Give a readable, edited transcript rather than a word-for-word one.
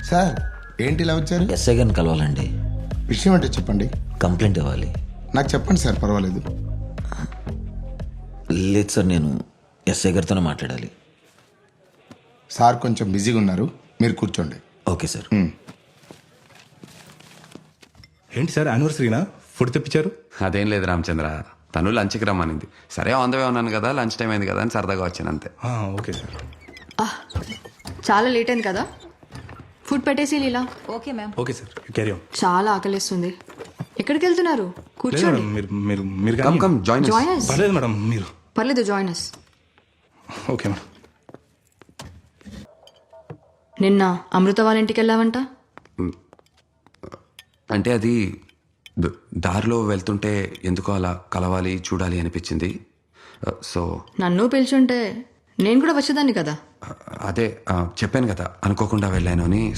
Sir ఏంటి ఇలా వచ్చారు? ఎస్ఐ గారిని కలవాలండి. విషయం అంటే చెప్పండి. కంప్లైంట్ ఇవ్వాలి. నాకు చెప్పండి సార్, పర్వాలేదు. లేదు సార్, నేను ఎస్ఐ గారితోనే మాట్లాడాలి. సార్ కొంచెం బిజీగా ఉన్నారు, మీరు కూర్చోండి. Okay sir. ఏంటి సార్ యానివర్సరీనా ఫుడ్ తెప్పించారు? అదేం లేదు రామచంద్ర, తను లంచ్కి రమ్మనింది. సరే ఆన్ ద వే ఉన్నాను కదా, లంచ్ టైం అయింది కదా అని సరదాగా వచ్చాను అంతే. Okay sir. చాలా లేట్ అయింది కదా, ఫుడ్ పెట్టేసి Leela. Okay ma'am. Okay sir, carry on. చాలా ఆకలిస్తుంది. ఎక్కడికి వెళ్తున్నారు? లేదు కూర్చోండి. మేడం, మీరు మీరు కమ్ కానీ కమ్ జాయిన్ జాయిన్ us. పర్లేదు మేడం, మీరు. పర్లేదు, జాయిన్ us. Okay madam. నిన్న అమృత వాళ్ళ ఇంటికి వెళ్ళావంట. అంటే అది దారిలో వెళ్తుంటే ఎందుకో అలా కలవాలి చూడాలి అనిపించింది. సో నన్ను పిలిచుంటే నేను కూడా వచ్చేదాన్ని కదా. అదే చెప్పాను కదా అనుకోకుండా వెళ్ళాను అని.